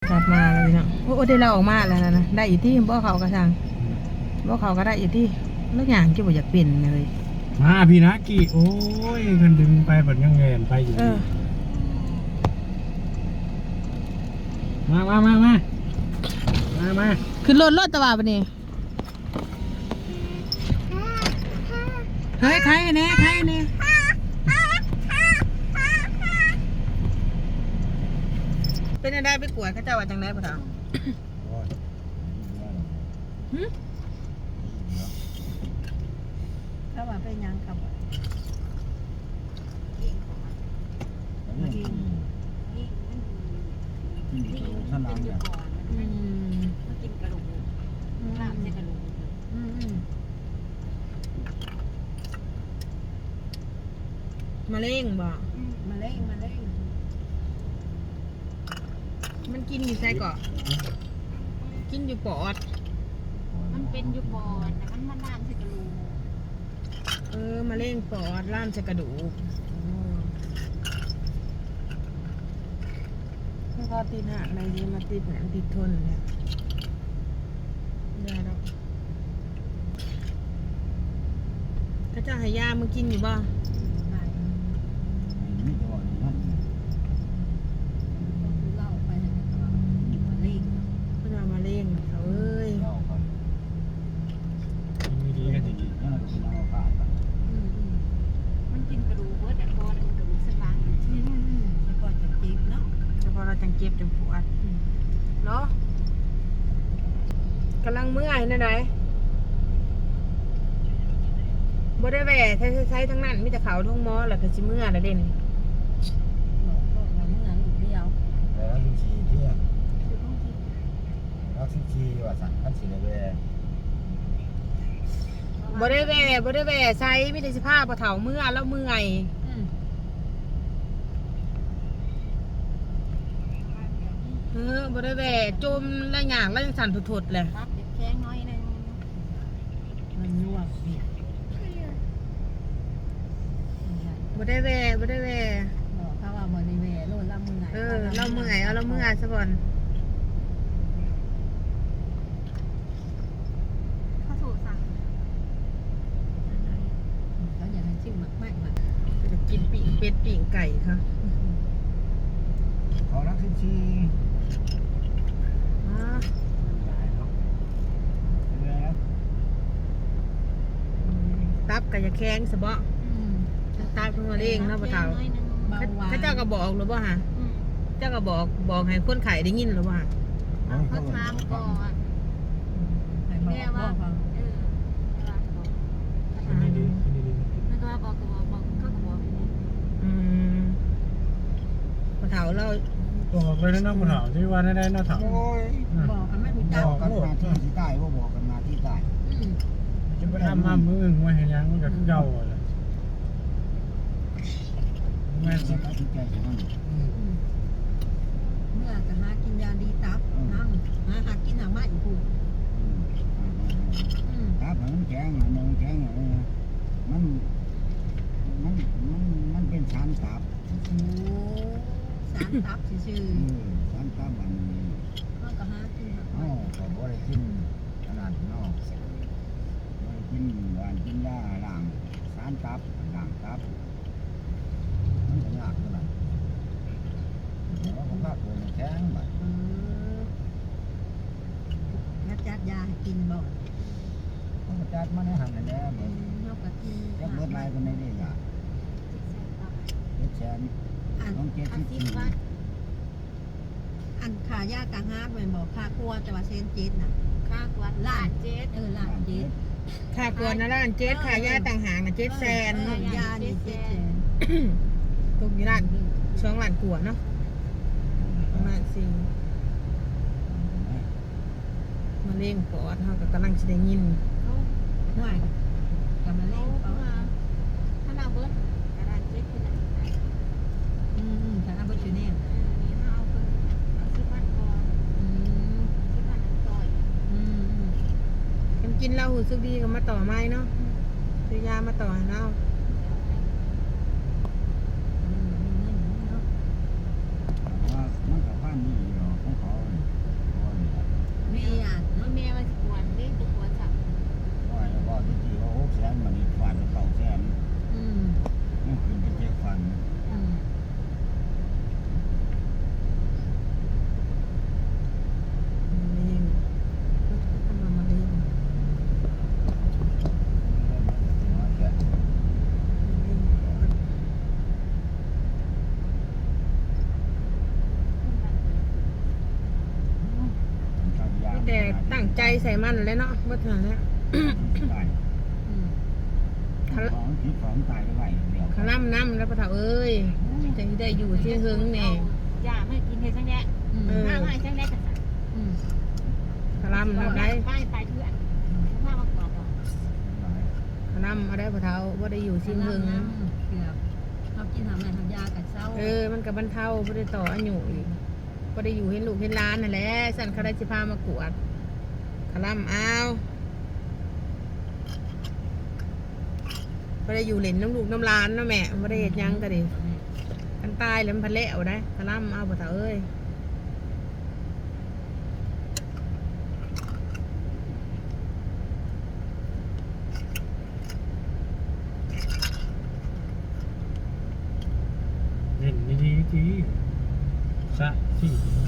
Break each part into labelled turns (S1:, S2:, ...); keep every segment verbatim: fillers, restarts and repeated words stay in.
S1: กลับมาแล้วพี่น้องโอ้ได้เราออกมาแล้วนะนะได้อยู่ที่บ่เขากระชังบ่เขาก็ได้อยู่ที่ลูกอย่างที่บ่อยากเปลี่ยนเลย
S2: มาพี่นะกี่โอ้ยกันดึงไปแบบยังเงินไปอยู่มามามามามามา
S1: ขึ้นรถรถตะวันปะนี่เฮ้ยใครเนี่ยใครเนี่ยเป็นอะไรไปกวดเขาเจ้าว่าจังไดพ่อเฒ่า
S3: เขาว่าเป็นยังครับ
S2: ท่านนางเนี่ย
S3: มากินกระดูกลาบใส่กระดูก
S1: มะเร็งบ่
S3: มาเล่งมาเล่ง
S1: มันกินอยู่ไส้เกาะกินอยู่ปอด
S3: มันเป็นอยู่ปอดแต่มันมาล่ามใส่กระดูก
S1: เออมะเร็งปอดล่ามใส่กระดูกแล้วก็ติดหักในนี้มาติดหนังติดทนเนี่ยได้แล้วข้าเจ้าหายามึงกินอยู่บ่จังเจ็บจังปวดเนาะกำลังเมื่อยนั่นไหนบ่ได้แหว่ใช้ใช้ทั้งนั้นมีแต่เขาทุ่งมอแหละก็สิเมื่อยละเด่น
S3: เมื่อยลูกเดียว
S2: แล้วสิชีเที่ยงแล้วสิชีว่าสั่งขั้นสิเลยแหว่
S1: บ่ได้แหว่บ่ได้แหว่ใช้มีแต่สิผ้าปะเถาเมื่อยแล้วเมื่อยเออบ่ได้แหว่จมแล้วหยางแล้วยังสั่นถุดๆเลย
S3: ครับแข็งน้อยนึงมันยวบ
S1: บ่ได้แหว่บ่ได้แหว่
S3: บอกเขาว่าบ่ได้แหว่โลดละเมื่อย
S1: เออเราเมื่อยเอาเราเมื่อยซะก่อน
S3: เขาโทรสั่งเขาอยากให้ชิมมากมากมา
S1: จะกินปีกเป็ดปีกไก่ค่ะ
S2: เขารักสิชี
S1: ตับกับยาแข้งสะเบาะตายเพิ่งมาเองเนาะปะเฒ่าเขาเจ้าก็บอกหรือเปล่าฮะเจ้าก็บอกบอกให้คนไข้ได้ยินหรือเปล่า
S3: เขาถามก่อนแม่ว่าเออไม่ก็บอกก็บอกบอกเขาก็บอก
S1: อืมปะเฒ่าเรา
S2: บอกเลยนะปะเฒ่าที่ว่าได้ได้นะเฒ่า
S3: บอกกันไม่ถูกจับ
S2: บอกกันมาที่ที่ใต้ว่าบอกกันมาที่ใต้จะไปทำมามือไว้ให้ยังมันก็คือเก่าเลยแม่สิตัดใจใช่ไหม
S3: เมื่อจะหากินยาดีตับน้ำหาหากินหาไม้อีกผู้
S2: ตับมันแข็งมันแข็งอะไรนะมันมันมันมันเป็นสารตับ
S3: โอ้สารตับซื่อ
S2: สารตับมัน
S3: มันก็หากิน
S2: อ๋อก็บ่ได้กินขนาดนอกกินหวานกินยาล้างสารตับล้างตับมันจะยากเท่าไหร่เราก็พักตัวแข็งแบบ
S3: ยัดจัดยาให้กินบ่อย
S2: เขาจัดมาในหันแล้วเหมือน
S3: นกกระทิง
S2: ยักเบิดลายคนในเรื่องอ่ะเจ็ดแสน
S3: ต้องเจ็ดสิบสี่อันขายากะฮาร์ดเหมือนบอกค่าครัวแต่ว่าเซนเจ็ดน่ะค่าครัวล้านเจ็ดเออล้านเจ็ด
S1: ค่ากวนนะล้านเจ็ดค่ายาต่างหากนะเจ็ดแสน
S3: ยานี่เจ็ดแสน
S1: ตรงนี้ล้านช่วงล้านกวนเนาะประมาณสี่มาเล่งปอดเขาก็กำลังจะได้ยิน
S3: ห่วยกำลังเล่งปอดถ้าเราเบิ้ลกระดานเจ็ดคืออะไรอืมถ้าเราเบิ้ลชื่อเนี่ยนี่เราเอาคนเอาสิบพันก่อนอืมสิบพันนั้นต่อยอืม
S1: ยังกินเหล้าหูซึกดีก็มาต่อไม้เนาะซื้อยามาต่อให้เรา
S2: มันกับพันนี่หรอของเขา
S1: แต่ตั้งใจใส่มันแล้วเนาะบ่ทันแล้ว
S2: ได้
S3: อืม
S2: ของที่ของตายไปไหวเดียว
S1: ขะล่ำน้ำแล้วปะเถาเอ้ยจะได้อยู่ที่หึงแน่
S4: อย่าไม่กินเฮ็ดจังแดะ
S3: อืม
S1: เออ
S4: มามาจังแดะจังซั่น
S3: อืม
S1: ขะล่ำน้ำได้
S4: ไปไปเถื่อนมามาก่อนดอก
S1: ขะล่ำเอาได้ปะเถาบ่ได้อยู่ที่หึง
S3: เกือบเขากินทำอะไรทำยากัดเศร้า
S1: เออมันกับบรรเทาบ่ได้ต่ออายุอีกบ่ได้อยู่เห็นลูกเห็นหลานนั่นแหละสั่นเขาได้สิพามากวดขะล่ำเอาบ่ได้อยู่เล่นน้ำลูกน้ำหลานเนาะแม่บ่ได้เฮ็ดหยังก็ดิกันตายแล้วมันพันแล้วได้ขะล่ำเอาปะเถาเอ้ย
S5: เล่นดีๆทีสะที่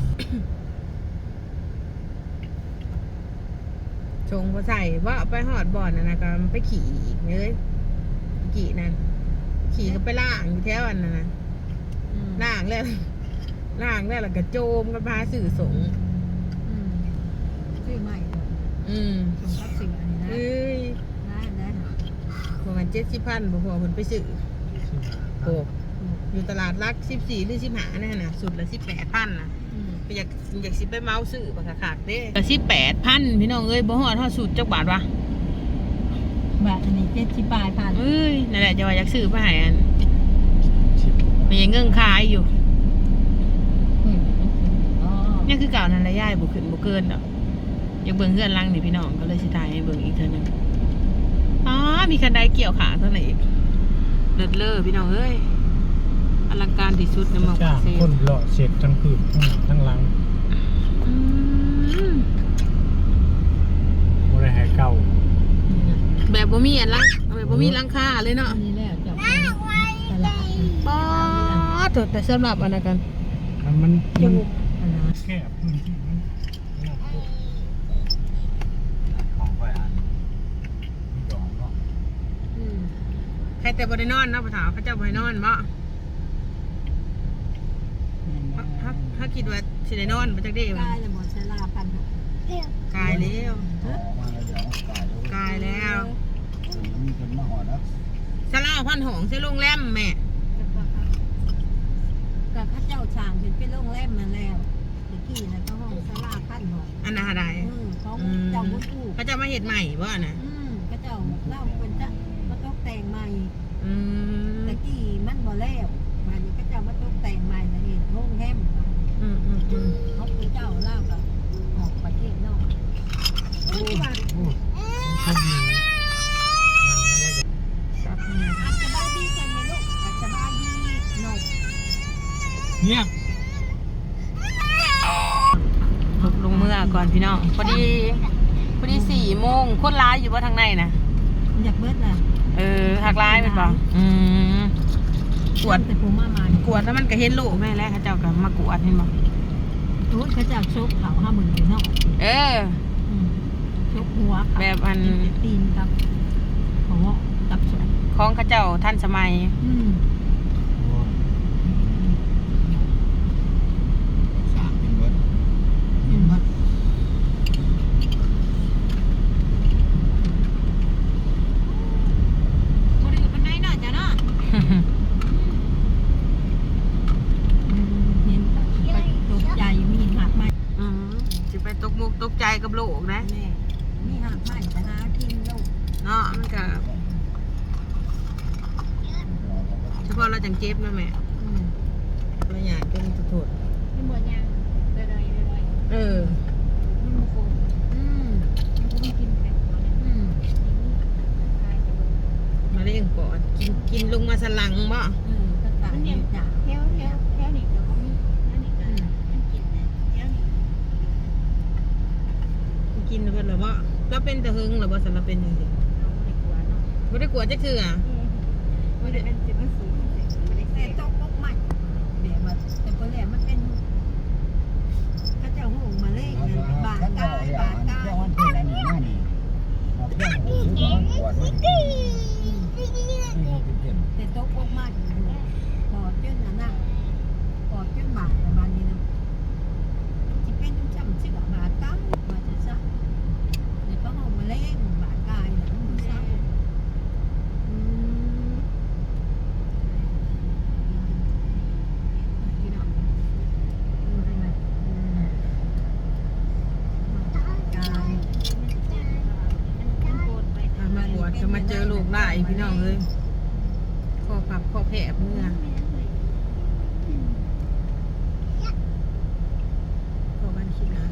S1: ชงพอใส่ว่าเอาไปหอดบ่อนน่ะนะก็ไปขี่อีกเลยขี่นั่นขี่ก็ไปล่างอยู่แถวอันนั้นนะ
S3: อืม
S1: ล่างแล้วล่างแล้วแล้วก็โจมกันพาสื่อสงฆ์
S3: อืมชื่อใหม่เลย
S1: อืม
S3: สมรับสิ่งอันนี้นะ
S1: เอ้ย
S3: ได้ได้
S1: พวกมันเจ็ดสิบพันบ่พอคนไปสื่อโอ้อยู่ตลาดรักสิบสี่หรือสิบห้านั่นน่ะสุดละสิบแปดพันน่ะ
S3: อืม
S1: อยากอยากสิไปเมาสื่อปะขาดเด้สิบแปดพันพี่น้องเอ้ยบ่ฮอดเท่าสุดจักบาทวะ
S3: บาทอันนี้เจ็ดสิบบาทพัน
S1: เอ้ยนั่นแหละจะว่าอยากซื้อไปให้อัน
S5: ชิบ
S1: มันยังเงื่อนขายอยู่
S3: อืมอ๋อ
S1: นี่คือเก่านั่นแหละย่ายบุขึ้นบุเกินดอกอยากเบิ่งเพื่อนลังนี่พี่น้องก็เลยสิถ่ายให้เบิ่งอีกเท่านึงอ๋อมีคันไดเกี่ยวขาเท่าไหร่อีกเลิศเลอพี่น้องเอ้ยอลังการที่สุดในเมือง
S5: จ้า
S1: ปาง กเซ
S5: คนเลาะเสร็จทั้งพื้นทั้งหน้าทั้งหลัง
S1: อืม
S5: บริหารเก่า
S1: แบบบ่มีอันลังแบบบ่มีหลังคาเลยเนาะ
S3: อันนี้แหละจะเป็นตลาด
S1: ป๊อดแต่สำหรับอันนั้นกัน
S5: แล้วมัน
S3: จ
S5: มัน
S3: มูกอันนั้น
S5: แค่พื้นที่มันน่าปวด
S2: ของไปอ่านมีดอกเนาะ
S3: อืม
S1: ใครแต่บ่ได้นอนเนาะพ่อถาวเขาเจ้าบ่ให้นอนบ่ถ้าถ้าคิดว่าสิได้นอนบ่จักได้
S3: ก
S1: ว่า
S3: ลายเลยหมดเวลาพันหก
S1: กายแล้ว
S2: ออกมาแล้วเดี๋ยวกายแล้ว
S1: กายแล้ว
S2: มีคนมาหอดแล้ว
S1: สลาพันหงส์ใช่โรงแรมแม่
S3: กับข้าเจ้าช่างเป็นเป็นโรงแรมมาแล้วเมื่อกี้นะก็ห้องสลาพันหก
S1: อันน่ะใด
S3: อืมเขาเจ้าบุญอู่
S1: เขาจะมาเห็ดใหม่บ่น่ะ
S3: อืมข้าเจ้าเล่าเป็นจะมาตกแต่งใหม่
S1: อืม
S3: ตะกี้มันบ่แล้วมานี่ข้าเจ้ามาตกแต่งใหม่แล้วเห็นโรงแรม
S1: อืมอืมอืม
S3: เขาเป็นเจ้าเล่ากับออกประเทศนอก
S5: โอ้โหโชคดีนั่งไม่ได้
S1: ครับ
S3: อัศบายดีกันไหมลูกอัศบายดีนก
S5: เงียบ
S1: ลงเมื่อก่อนพี่น้องพอดีพอดีสี่โมงคนร้ายอยู่ว่าทางในน่ะ
S3: อยากเบิดล่ะ
S1: เออหักร้ายเป็นบ่อืมกวด
S3: แต่ผมมามา
S1: กวดแล้วมันก็เห็นลูกแม่แล้วเขาเจ้าก็มากวดเห็นบ่
S3: โอ้ยข้าเจ้าชกเขาห้าหมื่นอยู่เนาะ
S1: เออ
S3: อืมชกหัวเขา
S1: แบบอัน
S3: ตีนครับหัวกับสวน
S1: ของเขาเจ้าท่านสมัย
S3: อืม
S2: สามเป็นเบิดมีเบิด
S4: บ่ได้อยู่ปานใดเนาะจ้ะเนาะ
S3: เห็นแต่ไปตกใจมีหักไม้
S1: อืมสิไปตกมุกตกใจกับโลกนะ
S3: แม่มีหักไม้แต่หากินลูก
S1: เนาะมันก็เฉพาะเราจังเจ็บนะแม่
S3: อืม
S1: เราอยากจนสุด
S4: เป็นบ่ยังเรื่อยๆๆ
S1: ๆเออ
S4: มันบ่คง
S3: อืม
S4: มันบ่กินแป้งบ่ได้
S3: อืม
S4: ทายจะเบิ่ง
S1: มาเร่งก่อนกินกินลงมาสลังบ่
S3: เออก็ตายอยู่จ้ะ
S4: แถวแถวแถวนี้ก็บ่มีนั่นนี่ก็มันกินนะแถวนี้
S1: กินเพิ่นหรือบ่เราเป็นตะหึงหรือบ่สำหรับเป็นจังซี่
S4: เราบ่ได้กลัวเนาะ
S1: บ่ได้กลัวจักเทื่อ
S4: บ่ได้เป็นสิมันสูงบ่ได้
S3: แต่
S4: เสพ
S3: ตกอกใหม่เดี๋ยวมาแต่พอแล้วมันเป็นข้าเจ้าหูมาเล่นบาดกายบาดกาย
S2: เจ้าวันที่นั่นนี่นั่นนี่มาเพื่อนซื้อของขวดมันที่เป็นเพ็น
S3: แต่ตกอกใหม่อยู่ปอดจนน่ะนะปอดจนบาดประมาณนี้นะจะเป็นจำชื่อบาดกายมาจะใส่
S1: หลายพี่น้องเอ้ยคอพับคอแผลเมื่อพอบ้านคิดนะ